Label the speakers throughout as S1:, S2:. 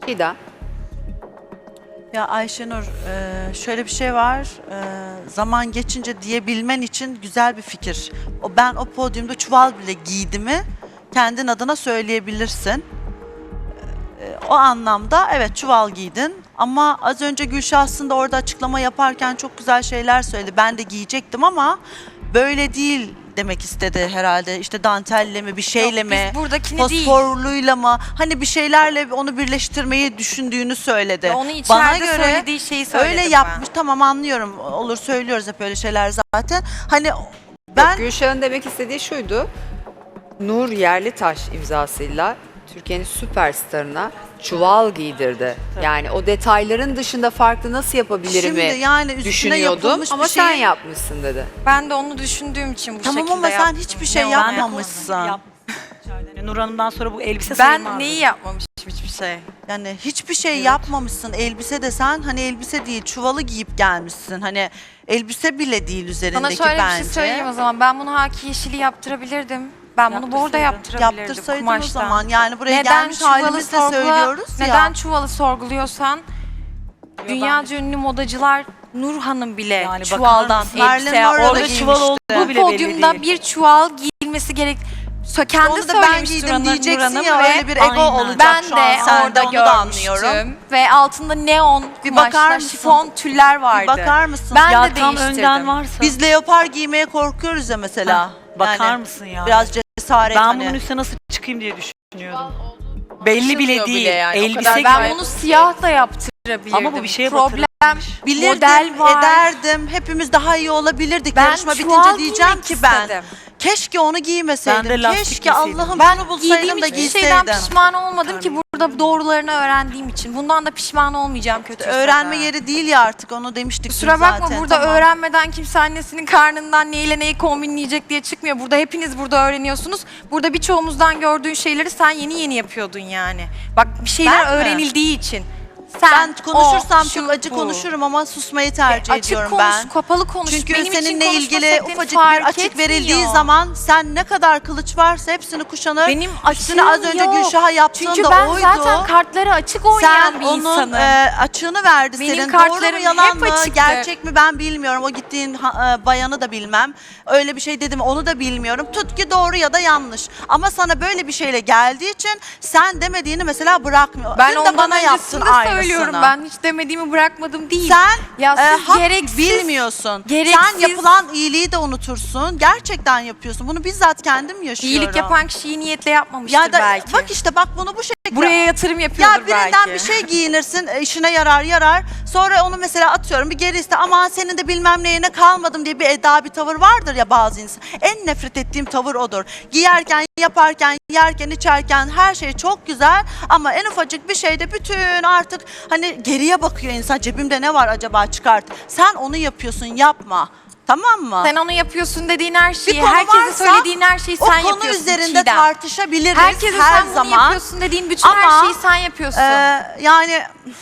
S1: Çiğdem.
S2: Ya Ayşenur, şöyle bir şey var. Zaman geçince diyebilmen için güzel bir fikir. Ben o podyumda çuval bile giydimi kendin adına söyleyebilirsin. O anlamda evet çuval giydin. Ama az önce Gülşah aslında orada açıklama yaparken çok güzel şeyler söyledi. Ben de giyecektim ama böyle değil demek istedi herhalde. İşte dantelle mi bir şeyle
S3: Yok,
S2: mi?
S3: biz buradakini değil.
S2: Fosforluyla mı? Hani bir şeylerle onu birleştirmeyi düşündüğünü söyledi.
S3: Ya onu içeride söylediği şeyi söyledim
S2: öyle
S3: ben.
S2: yapmış. Tamam anlıyorum. Olur söylüyoruz hep öyle şeyler zaten. Hani ben
S1: Yok, Gülşah'ın demek istediği şuydu. Nur Yerlitaş imzasıyla Türkiye'nin süperstarına çuval giydirdi. Yani o detayların dışında farklı nasıl yapabilirim
S2: şimdi yani üstüne
S1: düşünüyordum
S2: yapılmış
S1: ama
S2: bir
S1: sen
S2: şey.
S1: yapmışsın dedi.
S3: Ben de onu düşündüğüm için bu
S2: Tamam
S3: şekilde
S2: ama sen
S3: yaptım.
S2: hiçbir şey
S3: Ne
S2: yapmamışsın.
S4: Yani Nur Hanım'dan sonra bu elbise
S3: Ben
S4: sayılmazdı.
S3: neyi yapmamışım hiçbir şey.
S2: Yani hiçbir şey yapmamışsın. Elbise desen hani elbise değil çuvalı giyip gelmişsin. Hani elbise bile değil
S3: Sana
S2: üzerindeki
S3: şöyle
S2: bence.
S3: bir şey söyleyeyim o zaman. Ben bunu haki yeşili yaptırabilirdim. Ben bunu bordo yaptırabilirdim
S2: Yaptırsaydın
S3: kumaştan.
S2: o zaman. Yani buraya
S3: Neden
S2: gelmiş
S3: çuvalı
S2: halimizle söylüyoruz ya.
S3: Neden çuvalı sorguluyorsan dünyaca ünlü modacılar Nur Hanım bile
S4: Yani
S3: çuvaldan
S4: bakar mısın?
S3: elbise
S2: Marilyn Monroe da
S4: Orada çuval
S2: giymişti.
S4: olduğu
S3: Bu
S4: bile belli
S3: podyumda
S4: değil.
S3: bir çuval giyilmesi gerek. Kendi
S2: Onu da ben
S3: söylemiş
S2: giydim
S3: Nur
S2: diyeceksin
S3: Hanım
S2: ya
S3: ve
S2: öyle bir ego
S4: Aynen.
S2: olacak
S3: ben
S2: şu an
S3: de
S2: sende,
S3: orada
S2: onu da anlıyorum.
S3: görmüştüm ve altında neon
S2: Bir bakar
S3: kumaşlar,
S2: mısın?
S3: şifon tüller vardı.
S2: Bir bakar mısın?
S3: Ben
S4: Ya
S3: de
S4: tam
S3: değiştirdim.
S4: önden varsa.
S2: Biz leopar giymeye korkuyoruz ya mesela.
S4: Bakar
S2: Yani
S4: mısın ya?
S2: Biraz cesaret
S4: Ben
S2: hani.
S4: bunun üstüne nasıl çıkayım diye düşünüyordum. Belli bile
S1: Anlaşılmıyor
S4: değil.
S1: bile yani, o
S4: Elbise
S1: kadar
S3: Ben
S4: gibi.
S3: bunu siyah da yaptırabilirdim.
S4: Ama bu bir şeye
S3: Problem
S2: Bilirdim,
S3: model var.
S2: ederdim. Hepimiz daha iyi olabilirdik.
S3: Ben
S2: Yarışma
S3: çuval
S2: bitince diyeceğim
S3: giymek
S2: ki ben.
S3: istedim.
S2: Keşke onu giymeseydim.
S4: Ben de lastik
S2: Keşke
S4: giyseydim.
S2: Allah'ım
S3: Ben
S2: bunu bulsaydım
S3: giydiğim
S2: da
S3: hiçbir şeyden
S2: giyseydim.
S3: pişman olmadım ki burada doğrularını öğrendiğim için. Bundan da pişman olmayacağım kötüyse
S2: Öğrenme
S3: de.
S2: yeri değil ya artık onu demiştik
S3: Kusura
S2: biz
S3: bakma
S2: zaten.
S3: burada
S2: Tamam.
S3: öğrenmeden kimse annesinin karnından neyle neyi kombinleyecek diye çıkmıyor. Burada hepiniz burada öğreniyorsunuz. Burada birçoğumuzdan gördüğün şeyleri sen yeni yeni yapıyordun yani. Bak bir şeyler
S2: Ben mi?
S3: öğrenildiği için. Sen,
S2: Ben konuşursam
S3: o,
S2: çok
S3: şu,
S2: acı
S3: bu.
S2: konuşurum ama susmayı tercih
S3: Açık
S2: ediyorum
S3: konuş,
S2: ben.
S3: kapalı konuş.
S2: Çünkü
S3: Benim için
S2: seninle
S3: konuşma
S2: ilgili
S3: şeklin
S2: ufacık
S3: fark
S2: bir açık
S3: etmiyor.
S2: verildiği zaman sen ne kadar kılıç varsa hepsini kuşanır.
S3: Benim
S2: Üstüne az
S3: açığım
S2: önce
S3: yok.
S2: Gülşah'a yaptığın
S3: Çünkü
S2: da
S3: ben
S2: oydu.
S3: zaten kartları açık oynayan
S2: Sen
S3: bir
S2: onun
S3: insanım.
S2: açığını verdi
S3: Benim
S2: senin. Doğru mu
S3: kartlarım
S2: yalan
S3: hep
S2: mı
S3: açıktı.
S2: gerçek mi ben bilmiyorum. O gittiğin bayanı da bilmem. Öyle bir şey dedim onu da bilmiyorum. Tut ki doğru ya da yanlış. Ama sana böyle bir şeyle geldiği için sen demediğini mesela bırakmıyor.
S3: Ben
S2: Dün de
S3: ondan
S2: bana yaptın
S3: öncesinde
S2: aynısını.
S3: söylüyorum. Ben hiç demediğimi bırakmadım değil.
S2: Sen
S3: ya siz
S2: hak
S3: gereksiz,
S2: bilmiyorsun.
S3: gereksiz-
S2: Sen yapılan iyiliği de unutursun. Gerçekten yapıyorsun. Bunu bizzat kendim yaşıyorum.
S3: iyilik yapan kişi iyi niyetle yapmamıştır
S2: ya da,
S3: belki.
S2: Bak işte bak bunu bu şekilde.
S3: Buraya yatırım yapıyordur
S2: Ya birinden
S3: belki.
S2: bir şey giyinirsin, işine yarar. Sonra onu mesela atıyorum bir geri iste. Aman senin de bilmem neyine kalmadım diye bir eda bir tavır vardır ya bazı insan. En nefret ettiğim tavır odur. Giyerken, yaparken, yerken, içerken her şey çok güzel ama en ufacık bir şeyde bütün artık hani geriye bakıyor insan. Cebimde ne var acaba çıkart. Sen onu yapıyorsun, yapma. Tamam mı?
S3: Sen onu yapıyorsun dediğin her
S2: Bir
S3: şeyi,
S2: konu
S3: herkese
S2: varsa,
S3: söylediğin her şeyi
S2: o
S3: sen
S2: konu
S3: yapıyorsun
S2: üzerinde
S3: Çiğdem.
S2: tartışabiliriz
S3: Herkese
S2: her
S3: sen bunu
S2: zaman.
S3: yapıyorsun dediğin bütün
S2: Ama,
S3: her şeyi sen yapıyorsun.
S2: Yani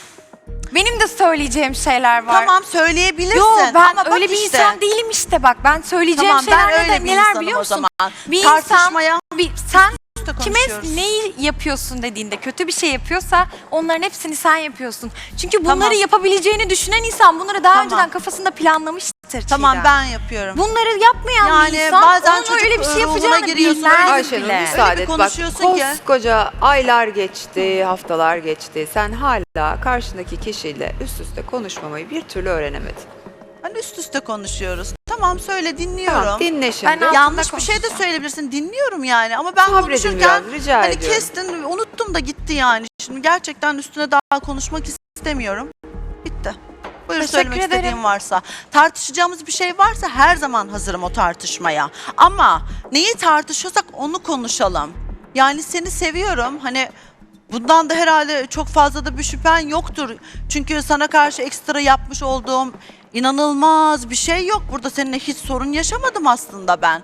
S3: Benim de söyleyeceğim şeyler var.
S2: tamam söyleyebilirsin.
S3: Yo ben
S2: ama bak
S3: öyle bir
S2: işte.
S3: insan değilim işte bak. Ben söyleyeceğim
S2: Tamam ben
S3: şeyler
S2: öyle bir
S3: neler
S2: insanım
S3: biliyor
S2: o
S3: musun?
S2: zaman.
S3: Bir
S2: Tartışmaya
S3: sen
S2: da
S3: kime
S2: konuşuyoruz.
S3: neyi yapıyorsun dediğinde kötü bir şey yapıyorsa onların hepsini sen yapıyorsun. Çünkü bunları
S2: Tamam.
S3: yapabileceğini düşünen insan bunları daha
S2: Tamam.
S3: önceden kafasında planlamıştır.
S2: Tamam
S3: Çiğdem.
S2: ben yapıyorum.
S3: Bunları yapmayan
S2: Yani
S3: bir insan
S2: bazen
S3: onun
S2: çocuk
S3: öyle bir şey
S2: ruhuna
S3: yapacağını
S2: giriyorsun,
S3: bilmez
S1: Ayşenur
S3: bile.
S1: müsaade
S2: bir
S1: et. Bak
S2: konuşuyorsun ki.
S1: koskoca aylar geçti, haftalar geçti. Sen hala karşındaki kişiyle üst üste konuşmamayı bir türlü öğrenemedin.
S2: Hani üst üste konuşuyoruz. Tamam söyle dinliyorum.
S1: Tamam dinle şimdi.
S3: Ben
S2: Yanlış bir şey de
S3: konuşacağım.
S2: söyleyebilirsin. Dinliyorum yani ama ben
S1: Sabredin
S2: konuşurken
S1: biraz, rica
S2: hani
S1: ediyorum.
S2: kestin unuttum da gitti yani. Şimdi gerçekten üstüne daha konuşmak istemiyorum. Bitti. Buyur
S3: Teşekkür
S2: söylemek
S3: ederim.
S2: istediğin varsa. Tartışacağımız bir şey varsa her zaman hazırım o tartışmaya. Ama neyi tartışıyorsak onu konuşalım. Yani seni seviyorum. Hani bundan da herhalde çok fazla da bir şüphen yoktur. Çünkü sana karşı ekstra yapmış olduğum inanılmaz bir şey yok. Burada seninle hiç sorun yaşamadım aslında ben.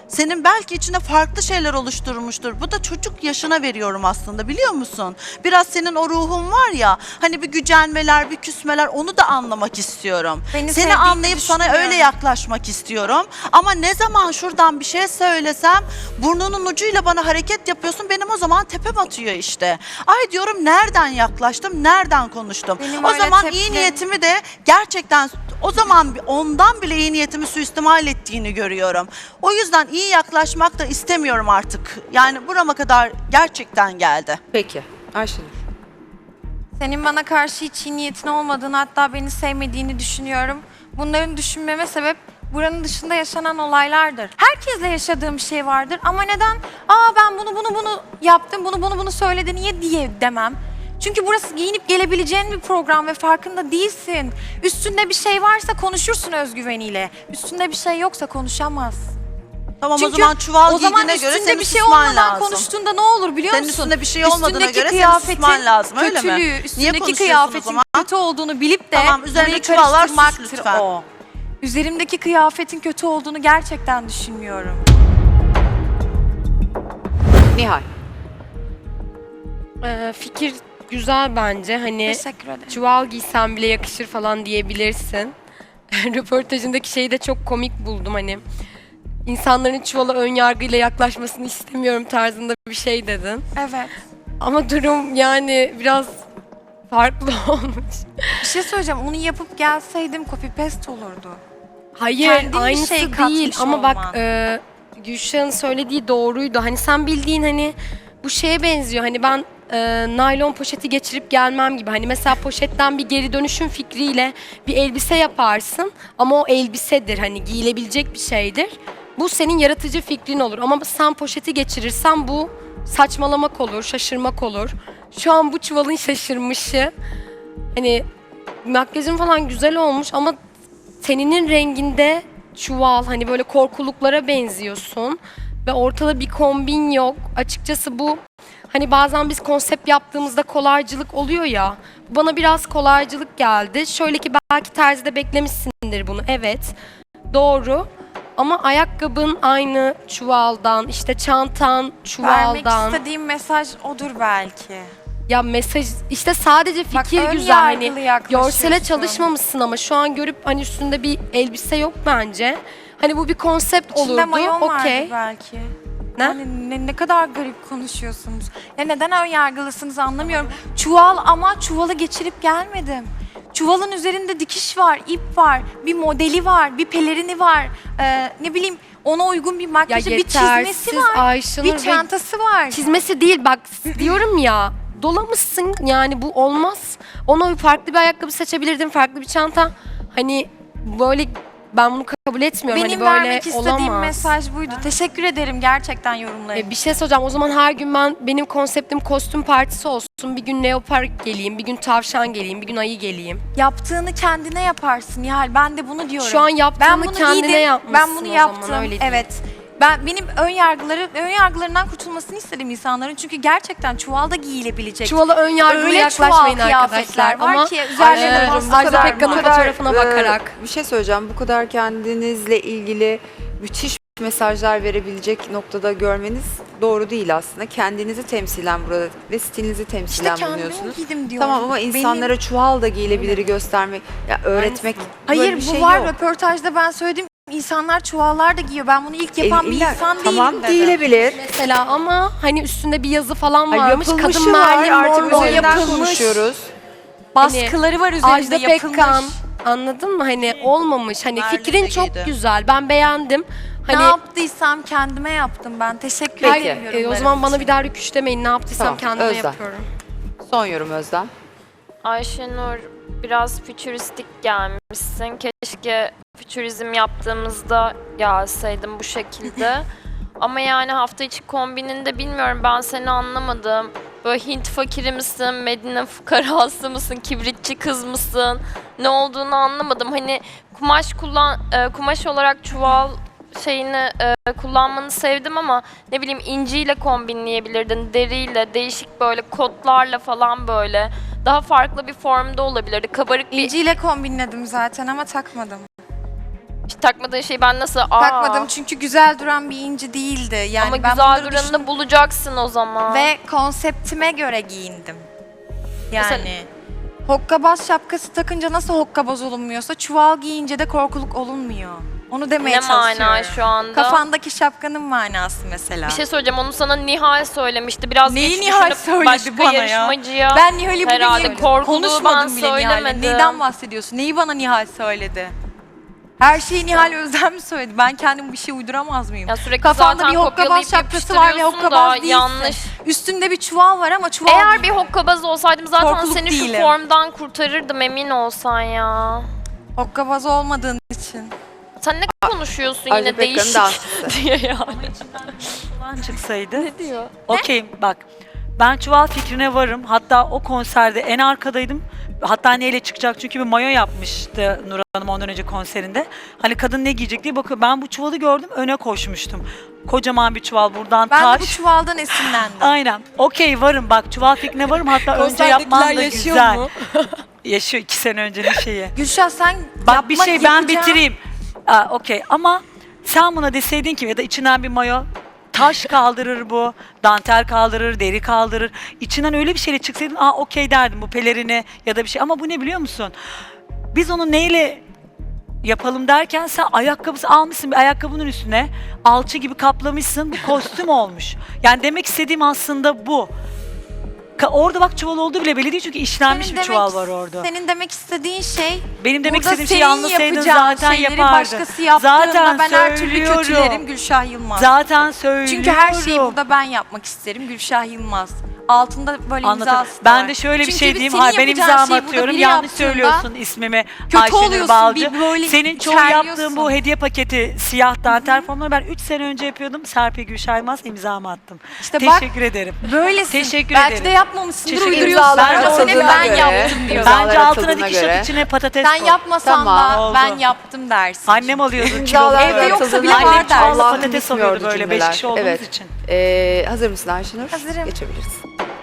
S2: senin belki içinde farklı şeyler oluşturmuştur. Bu da çocuk yaşına veriyorum aslında, biliyor musun? Biraz senin o ruhun var ya, hani bir gücenmeler, bir küsmeler, onu da anlamak istiyorum.
S3: Beni
S2: Seni
S3: sevdiğini
S2: anlayıp sana öyle
S3: düşünmüyorum.
S2: yaklaşmak istiyorum. Ama ne zaman şuradan bir şey söylesem burnunun ucuyla bana hareket yapıyorsun, benim o zaman tepem atıyor işte. Ay diyorum, nereden yaklaştım, nereden konuştum?
S3: Benim
S2: O
S3: öyle
S2: zaman iyi
S3: tepkilerim-
S2: niyetimi de gerçekten o zaman ondan bile iyi niyetimi suistimal ettiğini görüyorum. O yüzden iyi yaklaşmak da istemiyorum artık. Yani burama kadar gerçekten geldi.
S1: Peki. Ayşenur.
S3: Senin bana karşı hiç iyi niyetin olmadığını, hatta beni sevmediğini düşünüyorum. Bunların düşünmeme sebep buranın dışında yaşanan olaylardır. Herkesle yaşadığım bir şey vardır ama neden? Ben bunu yaptım, bunu söyledi niye diye demem. Çünkü burası giyinip gelebileceğin bir program ve farkında değilsin. Üstünde bir şey varsa konuşursun özgüveniyle. Üstünde bir şey yoksa konuşamaz.
S2: Tamam,
S3: Çünkü
S2: o zaman çuval
S3: o zaman
S2: giydiğine göre
S3: üstünde
S2: senin
S3: bir şey
S2: susman
S3: olmadan
S2: lazım.
S3: konuştuğunda ne olur biliyor
S2: Senin
S3: musun?
S2: üstünde bir şey olmadığına
S3: Üstündeki
S2: göre senin
S3: kıyafetin
S2: susman lazım, öyle mi?
S3: kötülüğü,
S2: Niye
S3: üstündeki
S2: konuşuyorsun o
S3: kıyafetin
S2: zaman?
S3: kötü olduğunu bilip de
S2: Tamam, üzerinde
S3: burayı
S2: çuvallar, sus
S3: karıştırmaktır
S2: lütfen.
S3: o. Üzerimdeki kıyafetin kötü olduğunu gerçekten düşünmüyorum.
S1: Nihal.
S5: Fikir güzel bence. Hani
S3: Teşekkür ederim.
S5: çuval giysen bile yakışır falan diyebilirsin. Röportajındaki şeyi de çok komik buldum hani. İnsanların çuvala ön yargıyla yaklaşmasını istemiyorum tarzında bir şey dedin.
S3: Evet.
S5: Ama durum yani biraz farklı olmuş.
S3: Bir şey söyleyeceğim. Onu yapıp gelseydim copy paste olurdu.
S5: Hayır,
S3: Kendin bir
S5: aynısı
S3: şey katmış
S5: değil ama
S3: olman.
S5: bak Gülşah'ın söylediği doğruydu. Hani sen bildiğin hani bu şeye benziyor. Hani ben naylon poşeti geçirip gelmem gibi. Hani mesela poşetten bir geri dönüşüm fikriyle bir elbise yaparsın ama o elbisedir. Hani giyilebilecek bir şeydir. Bu senin yaratıcı fikrin olur ama sen poşeti geçirirsen bu saçmalamak olur, şaşırmak olur. Şu an bu çuvalın şaşırmışı. Hani makyajın falan güzel olmuş ama teninin renginde çuval, hani böyle korkuluklara benziyorsun ve ortada bir kombin yok. Açıkçası bu hani bazen biz konsept yaptığımızda kolaycılık oluyor ya. Bana biraz kolaycılık geldi. Şöyle ki belki terzide beklemişsindir bunu. Evet. Doğru. Ama ayakkabın aynı çuvaldan, işte çantan
S3: Vermek
S5: çuvaldan.
S3: istediğim mesaj odur belki.
S5: Ya mesaj işte sadece
S3: Bak,
S5: fikir
S3: ön
S5: güzel, hani
S3: yargılı yaklaşıyorsun.
S5: görsele çalışmamışsın ama şu an görüp hani üstünde bir elbise yok bence. Hani bu bir konsept
S3: İçinde
S5: olurdu.
S3: mayon vardı
S5: Okey.
S3: belki.
S5: Ne?
S3: Hani ne kadar garip konuşuyorsunuz. Ya neden ön yargılısınız anlamıyorum. Çuval ama çuvalı geçirip gelmedim. Çuvalın üzerinde dikiş var, ip var, bir modeli var, bir pelerini var. Ne bileyim ona uygun bir
S5: Ya
S3: makyajı, bir çizmesi var,
S5: Ayşenur
S3: bir
S5: ve
S3: çantası var.
S5: çizmesi değil bak diyorum ya, dolamışsın yani bu olmaz. Ona farklı bir ayakkabı seçebilirdin, farklı bir çanta. Hani böyle ben bunu kabul etmiyorum.
S3: Benim
S5: hani böyle
S3: vermek istediğim
S5: olamaz.
S3: mesaj buydu. Teşekkür ederim gerçekten yorumlarım.
S5: Bir şey soracağım. O zaman her gün benim konseptim kostüm partisi olsun. Bir gün leopar geleyim, bir gün tavşan geleyim, bir gün ayı geleyim.
S3: Yaptığını kendine yaparsın Nihal. Ben de bunu diyorum.
S5: Şu an yaptığını
S3: Ben bunu
S5: kendine
S3: giydim,
S5: yapmışsın
S3: ben bunu
S5: o
S3: yaptım.
S5: zaman, öyle diyeyim.
S3: Evet. Benim ön yargılarından kurtulmasını istedim insanların. Çünkü gerçekten çuvalda giyilebilecek.
S5: Çuvala ön yargılı
S3: Öyle
S5: yaklaşmayın
S3: çuval kıyafetler
S5: arkadaşlar.
S3: var
S5: Ama
S3: ki üzerlerine
S5: Ayşenur'cum,
S3: bastı
S5: Ajda
S3: kadar
S5: Pekkan'ın
S3: var.
S5: fotoğrafına bakarak.
S1: Bir şey söyleyeceğim. Bu kadar kendinizle ilgili müthiş mesajlar verebilecek noktada görmeniz doğru değil aslında. Kendinizi temsilen burada ve stilinizi temsilen
S3: İşte kendimi
S1: bulunuyorsunuz.
S3: giydim diyorum.
S1: Tamam ama insanlara çuval da giyilebiliri göstermek, ya öğretmek böyle
S3: Hayır
S1: bir
S3: bu
S1: şey
S3: var
S1: yok.
S3: röportajda ben söyledim. İnsanlar çuvallar da giyiyor. Ben bunu ilk yapan bir
S1: İlla-
S3: insan
S1: tamam,
S3: değilim dedim.
S1: giyilebilir.
S5: Mesela ama hani üstünde bir yazı falan
S1: Ay,
S5: varmış.
S1: yapılmışı
S5: Kadın
S1: var.
S5: Marilyn
S1: Artık
S5: Monroe
S1: üzerinden
S5: yapılmış.
S1: konuşuyoruz.
S3: Baskıları var üzerinde
S5: Ajda
S3: yapılmış.
S5: Pekkan, anladın mı? Hani olmamış. Hani
S2: Marilyn
S5: fikrin
S2: de
S5: çok
S2: giydi.
S5: güzel. Ben beğendim. Hani
S3: Ne yaptıysam kendime yaptım ben. Teşekkür
S1: Peki.
S3: ederim
S5: o
S3: yorumlarım
S5: zaman bana
S3: için.
S5: bir daha rüküş demeyin. Ne yaptıysam
S1: Tamam,
S5: kendime
S1: Özlem.
S5: yapıyorum.
S1: Son yorum Özlem.
S6: Ayşenur biraz fütüristik gelmişsin. Keşke fütürizm yaptığımızda gelseydim bu şekilde. Ama yani hafta içi kombininde bilmiyorum, ben seni anlamadım. Böyle Hint fakiri misin, Medine fukarası mısın, kibritçi kız mısın? Ne olduğunu anlamadım. Hani kumaş olarak çuval şeyini kullanmanı sevdim ama ne bileyim inciyle kombinleyebilirdin, deriyle, değişik böyle kotlarla falan böyle. Daha farklı bir formda olabilirdi. Kabarık bir
S3: İnciyle kombinledim zaten ama takmadım.
S6: Hiç takmadığın şeyi ben nasıl...
S3: Takmadım çünkü güzel duran bir inci değildi. Yani
S6: Ama
S3: ben
S6: güzel
S3: bunları
S6: duranını
S3: düşündüm
S6: bulacaksın o zaman.
S3: ve konseptime göre giyindim. Yani
S6: Mesela-
S3: hokkabaz şapkası takınca nasıl hokkabaz olunmuyorsa çuval giyince de korkuluk olunmuyor. Onu demeye
S6: Ne
S3: çalışıyorum.
S6: mana şu anda?
S3: Kafandaki şapkanın manası mesela.
S6: Bir şey söyleyeceğim, onu sana Nihal söylemişti. Biraz
S3: Neyi
S6: geç
S3: Nihal
S6: düşünüp
S3: söyledi
S6: başka
S3: bana ya?
S6: yarışmacıya
S3: Ben Nihal'i bugün
S6: herhalde
S3: yerim.
S6: korkuluğu
S3: Konuşmadım
S6: ben
S3: bile Nihal'le.
S6: söylemedim.
S3: Neyden bahsediyorsun? Neyi bana Nihal söyledi? Her şeyi Nihal Özlem mi söyledi? Ben kendim bir şey uyduramaz mıyım?
S6: Ya sürekli
S3: Kafanda
S6: zaten
S3: bir hokkabaz
S6: kopyalayıp
S3: şapkası var ve
S6: yapıştırıyorsun
S3: hokkabaz
S6: da
S3: değilsin.
S6: yanlış.
S3: Üstünde bir çuval var ama çuval
S6: Eğer
S3: değil.
S6: bir hokkabaz olsaydım zaten
S3: Korkuluk
S6: seni
S3: değilim.
S6: şu formdan kurtarırdım, emin olsan ya.
S3: Hokkabaz olmadığın için.
S6: Sen ne konuşuyorsun
S1: Ajda
S6: yine
S1: Pekkan'ın
S6: değişik
S1: dansçısı.
S6: diye ya.
S4: Falan çıksaydı.
S6: Ne diyor?
S4: Okey bak. Ben çuval fikrine varım. Hatta o konserde en arkadaydım. Hatta neyle çıkacak çünkü bir mayo yapmıştı Nur Hanım ondan önce konserinde. Hani kadın ne giyecek diye bakıyor. Ben bu çuvalı gördüm, öne koşmuştum. Kocaman bir çuval buradan
S3: Ben de bu
S4: taş.
S3: çuvaldan esinlendim.
S4: Aynen. Okey varım bak, çuval fikrine varım. Hatta önce yapman da güzel. Yaşıyor 2 sene öncenin şeyi.
S3: Gülşah sen
S4: Bak bir
S3: yapmak
S4: şey ben
S3: yapacağın-
S4: bitireyim. Okey ama sen buna deseydin ki ya da içinden bir mayo, taş kaldırır bu, dantel kaldırır, deri kaldırır. İçinden öyle bir şeyle çıksaydın okey derdim, bu pelerini ya da bir şey. Ama bu ne biliyor musun? Biz onu neyle yapalım derken sen ayakkabısı almışsın, bir ayakkabının üstüne alçı gibi kaplamışsın, bu kostüm olmuş. Yani demek istediğim aslında bu. Orada bak çuval olduğu bile belli değil çünkü işlenmiş
S3: Senin
S4: bir çuval var orada.
S3: Senin demek istediğin şey
S4: Benim demek
S3: burada
S4: istediğim şeyi
S3: senin
S4: anlasaydın
S3: yapacağın
S4: zaten
S3: şeyleri
S4: yapardın.
S3: başkası yaptığında
S4: Zaten
S3: ben her türlü
S4: söylüyorum.
S3: kötülerim Gülşah Yılmaz.
S4: Zaten söylüyorum.
S3: Çünkü her şeyi burada ben yapmak isterim Gülşah Yılmaz. Altında böyle
S4: Anladım.
S3: imzası
S4: Ben
S3: var.
S4: de şöyle bir
S3: Çünkü
S4: şey
S3: biz
S4: diyeyim.
S3: senin
S4: Hayır ben
S3: yapacağın
S4: imzamı
S3: şeyi burada
S4: atıyorum.
S3: biri
S4: Yanlış
S3: yaptığında
S4: söylüyorsun ismimi.
S3: kötü
S4: Ayşenur
S3: oluyorsun,
S4: Balcı.
S3: bir böyle
S4: Senin çoğu
S3: içerliyorsun.
S4: yaptığın bu hediye paketi siyah dantel formları ben 3 sene önce yapıyordum. Serpil Gülşah Yılmaz imzamı attım.
S3: İşte bak,
S4: Teşekkür ederim.
S3: böylesin.
S4: Teşekkür
S3: Belki
S4: ederim.
S3: de yapmamışsındır,
S4: Teşekkür
S3: uyduruyorsun.
S1: İmzalar
S3: Bence seni
S1: atıldığına
S3: ben
S1: göre,
S3: yaptım diyorsun.
S1: imzalar
S4: Bence altına
S1: atıldığına
S4: dikiş
S1: göre.
S4: at, içine patates
S3: Sen
S4: koy.
S3: yapmasan
S1: Tamam,
S3: da
S4: oldu.
S3: ben yaptım dersin.
S4: Annem alıyordu
S1: İmzalar
S4: kilolu
S3: Evde
S4: böyle.
S3: yoksa bile
S1: atıldığına
S3: var
S1: göre
S3: dersin.
S4: Çuvallı
S1: Allah'ım
S4: patates
S1: bitmiyordu
S4: alıyordu böyle,
S1: cümleler.
S4: 5 kişi olduğumuz
S1: Evet.
S4: için.
S1: Hazır mısın Ayşenur?
S3: Hazırım.
S1: Geçebiliriz.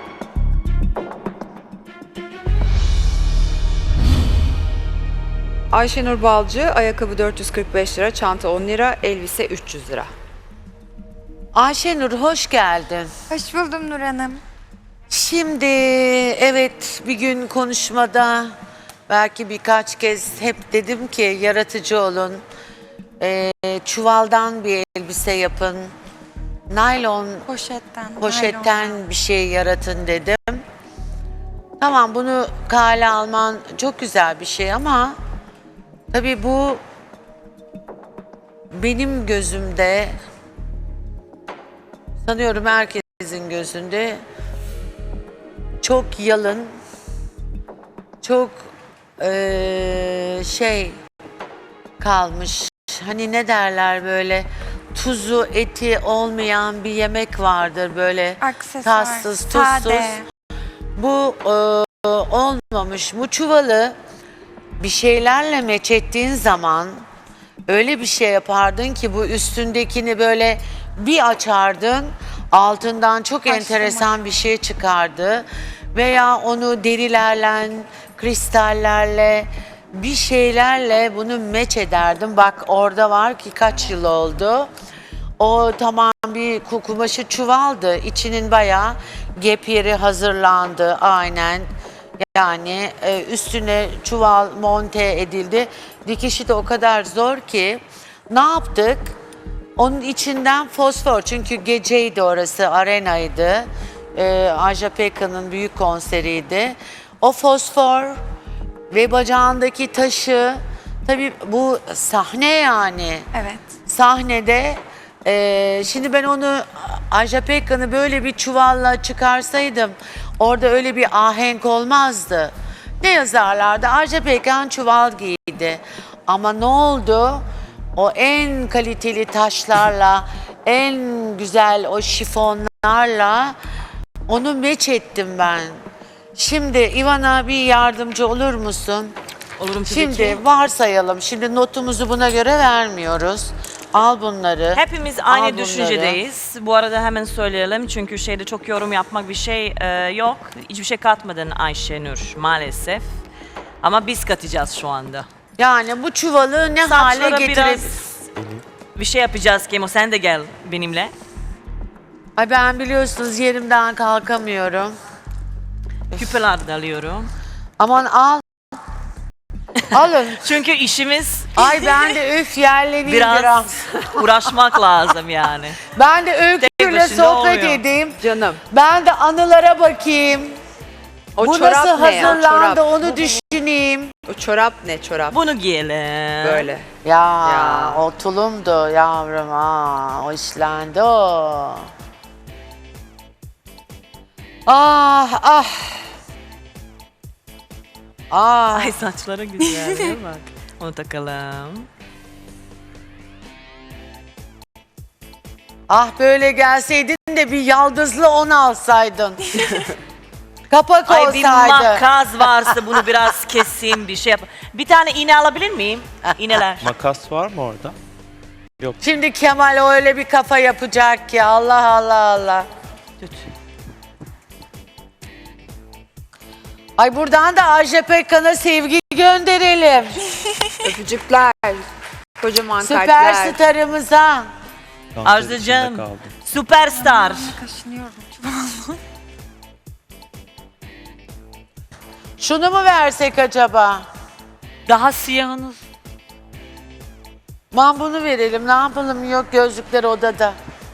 S1: Ayşenur Balcı, ayakkabı 445 lira, çanta 10 lira, elbise 300 lira.
S7: Ayşenur hoş geldin.
S3: Hoş buldum Nur Hanım.
S7: Şimdi evet bir gün konuşmada belki birkaç kez hep dedim ki yaratıcı olun. Çuvaldan bir elbise yapın. Naylon poşetten bir şey yaratın dedim. Tamam bunu kale alman çok güzel bir şey ama tabii bu benim gözümde sanıyorum herkesin gözünde çok yalın, çok şey kalmış. Hani ne derler böyle tuzu eti olmayan bir yemek vardır böyle
S3: Aksesuar,
S7: tatsız tuzsuz.
S3: sade.
S7: Bu olmamış. Bu çuvalı bir şeylerle meç ettiğin zaman öyle bir şey yapardın ki bu üstündekini böyle bir açardın, altından çok enteresan bir şey çıkardı. Veya onu derilerle, kristallerle, bir şeylerle bunu meç ederdim. Bak orada var ki kaç yıl oldu. O tamam bir kumaşı çuvaldı. İçinin bayağı gep yeri hazırlandı aynen. Yani üstüne çuval monte edildi. Dikişi de o kadar zor ki ne yaptık? Onun içinden fosfor çünkü geceydi orası, arenaydı. Ajda Pekkan'ın büyük konseriydi. O fosfor ve bacağındaki taşı tabii bu sahne yani.
S3: Evet.
S7: Sahnede şimdi ben onu Ajda Pekkan'ı böyle bir çuvalla çıkarsaydım orada öyle bir ahenk olmazdı. Ne yazarlardı? Ajda Pekkan çuval giydi. Ama ne oldu? O en kaliteli taşlarla, en güzel o şifonlarla onu meç ettim ben. Şimdi Ivana bir yardımcı olur musun?
S8: Olurum tabii
S7: Şimdi
S8: ki.
S7: varsayalım. Şimdi notumuzu buna göre vermiyoruz. Al bunları.
S8: Hepimiz
S7: Al
S8: aynı
S7: bunları.
S8: düşüncedeyiz. Bu arada hemen söyleyelim çünkü şeyde çok yorum yapmak bir şey yok. Hiçbir şey katmadın Ayşenur maalesef. Ama biz katacağız şu anda.
S7: Yani bu çuvalı ne hale
S8: Saçlara
S7: getirip...
S8: biraz bir şey yapacağız Kemo. Sen de gel benimle.
S7: Ay ben biliyorsunuz yerimden kalkamıyorum.
S8: Küpeler de alıyorum.
S7: Aman al. Alın.
S8: Çünkü işimiz
S7: Ay ben de üf yerleneyim biraz.
S8: biraz uğraşmak lazım yani.
S7: Ben de Öykü'yle
S8: başına
S7: sohbet
S8: olmuyor.
S7: edeyim.
S1: Canım.
S7: Ben de anılara bakayım.
S1: O
S7: Bu
S1: çorap
S7: nasıl
S1: ne ya?
S7: hazırlandı
S1: Çorap.
S7: onu düşüneyim.
S1: O çorap ne çorap?
S8: Bunu giyelim.
S1: Böyle.
S7: Ya, o tulumdu yavrum ha. O işlendi o. Ah ah. Ah.
S8: Ay saçları güzel değil mi? Bak. Onu takalım.
S7: Ah böyle gelseydin de bir yaldızlı on alsaydın. Kapak
S8: Ay bir
S7: olsaydı.
S8: makas varsa bunu biraz keseyim bir şey yap. Bir tane iğne alabilir miyim? İğneler.
S9: Makas var mı orada?
S7: Şimdi Kemal öyle bir kafa yapacak ki Allah Allah Allah.
S8: Tut.
S7: Ay buradan da Ajda Pekkan'a sevgi gönderelim.
S1: Öpücükler. Kocaman
S7: Süper
S1: kalpler.
S7: starımıza.
S8: Arzucığım.
S9: içinde kaldım.
S8: Süperstar.
S7: Şunu mu versek acaba?
S4: Daha siyahınız.
S7: Man bunu verelim ne yapalım yok gözlükler odada.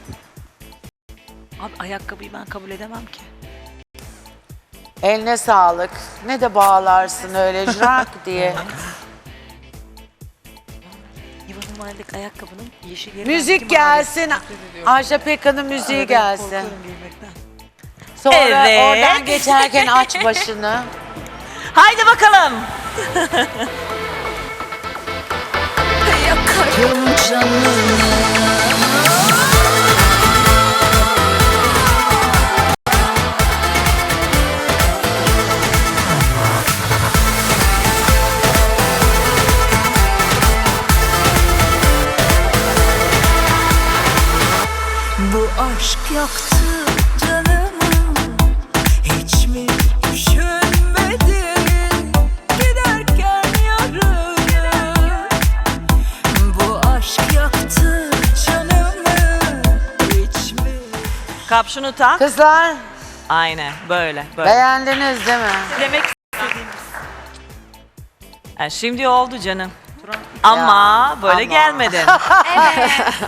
S4: Abi ayakkabıyı ben kabul edemem ki.
S7: Eline sağlık. Ne de bağlarsın öyle jrak diye.
S4: Yuvanın mahalledeki ayakkabının yeşil yeri.
S7: Müzik gelsin. Ajda Pekkan'ın müziği gelsin.
S4: Korkuyorum giymekten.
S7: Sonra
S8: Evet.
S7: oradan geçerken aç başını.
S8: Haydi bakalım.
S10: Bu aşk yaktı canımı, hiç mi düşünmedin giderken yarını? Bu aşk yaktı canımı, hiç mi?
S8: Kapşonu tak.
S7: Kızlar
S8: Aynen böyle böyle.
S7: beğendiniz değil mi?
S8: Demek istediğimiz. Şimdi oldu canım. Ama böyle
S7: ama.
S8: gelmedin.
S3: Evet.